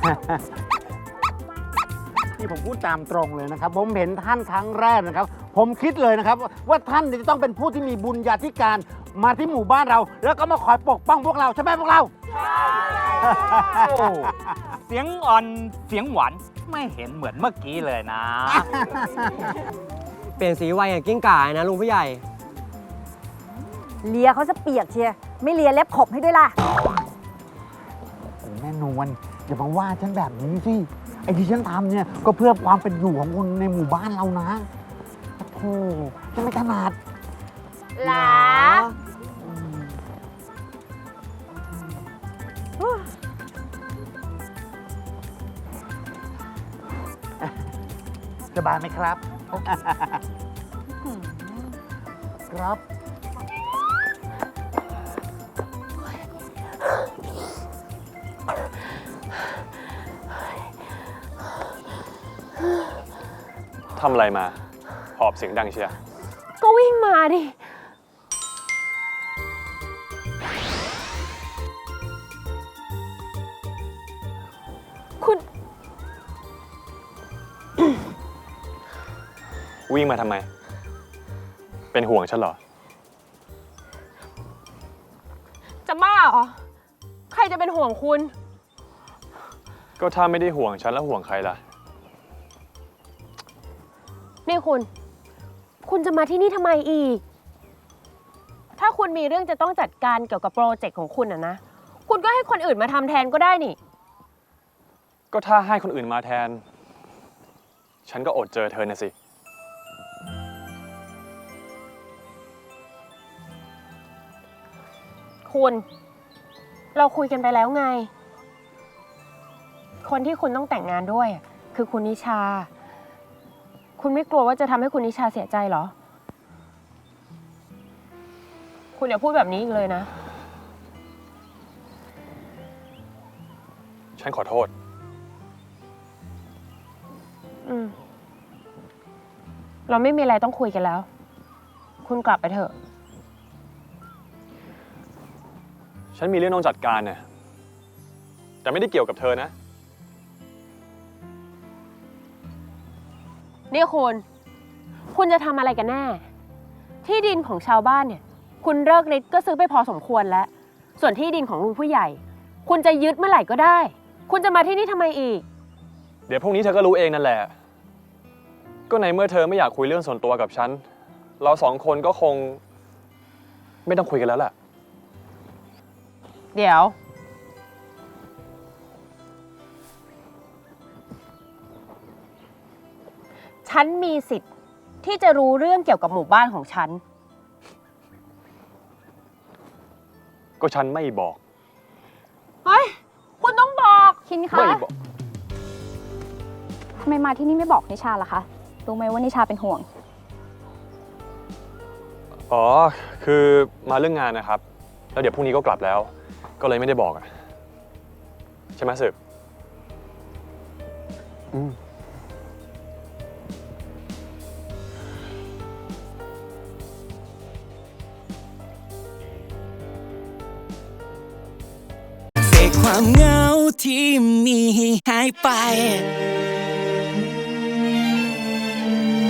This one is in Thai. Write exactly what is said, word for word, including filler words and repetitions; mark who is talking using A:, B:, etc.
A: นี่ผมพูดตามตรงเลยนะครับผมเห็นท่านครั้งแรกนะครับผมคิดเลยนะครับว่าท่านจะต้องเป็นผู้ที่มีบุญญาธิการมาที่หมู่บ้านเราแล้วก็มาคอยปกป้องพวกเราใช่ไหมพวกเรา
B: โอ้เสียงอ่อนเสียงหวานไม่เห็นเหมือนเมื่อกี้เลยนะ
C: เปลี่ยนสีไวอย่างกิ้งก่านะลุงผู้ใหญ่
D: เลียเขาจะเปียกเชียไม่เลียเล็บขบให้ด้วยล่ะ
A: แม่นวลอย่ามาว่าฉันแบบนี้สิไอ้ที่ฉันทำเนี่ยก็เพื่อความเป็นอยู่ของคนในหมู่บ้านเรานะโธ่ฉันไม่ถนัด
D: หลา
A: สบายไหมครับ ครับ
E: ทำอะไรมาหอบเสียงดังเชียร์
D: ก็วิ่งมาดิคุณ
E: วิ่งมาทำไมเป็นห่วงฉันเหรอ
D: จะบ้าเหรอใครจะเป็นห่วงคุณ
E: ก็ถ้าไม่ได้ห่วงฉันแล้วห่วงใครล่ะ
D: นี่คุณคุณจะมาที่นี่ทำไมอีกถ้าคุณมีเรื่องจะต้องจัดการเกี่ยวกับโปรเจกต์ของคุณอะนะคุณก็ให้คนอื่นมาทำแทนก็ได้นี่
E: ก็ถ้าให้คนอื่นมาแทนฉันก็อดเจอเธอนะสิ
D: คุณเราคุยกันไปแล้วไงคนที่คุณต้องแต่งงานด้วยคือคุณนิชาคุณไม่กลัวว่าจะทำให้คุณนิชาเสียใจเหรอคุณอย่าพูดแบบนี้อีกเลยนะ
E: ฉันขอโทษ
D: อืมเราไม่มีอะไรต้องคุยกันแล้วคุณกลับไปเถอะ
E: ฉันมีเรื่องต้องจัดการเนี่ยแต่ไม่ได้เกี่ยวกับเธอนะ
D: นี่คุณคุณจะทำอะไรกันแน่ที่ดินของชาวบ้านเนี่ยคุณเลิกฤทธิ์ก็ซื้อไปพอสมควรแล้วส่วนที่ดินของลุงผู้ใหญ่คุณจะยึดเมื่อไหร่ก็ได้คุณจะมาที่นี่ทำไมอีก
E: เดี๋ยวพรุ่งนี้เธอก็รู้เองนั่นแหละก็ในเมื่อเธอไม่อยากคุยเรื่องส่วนตัวกับฉันเราสองคนก็คงไม่ต้องคุยกันแล้วแหละ
D: เดี๋ยวฉันมีสิทธิ์ที่จะรู้เรื่องเกี่ยวกับหมู่บ้านของฉัน
E: ก็ฉันไม่บอก
D: เฮ้ยคุณต้องบอก
F: คินคะ
E: ไม่บอก
F: ทำไมมาที่นี่ไม่บอกนิชาล่ะคะรู้ไหมว่านิชาเป็นห่วง
E: อ๋อคือมาเรื่องงานนะครับแล้วเดี๋ยวพรุ่งนี้ก็กลับแล้วก็เลยไม่ได้บอกอะใช่ไหมสึกอืม
G: ความเหงาที่มีหายไป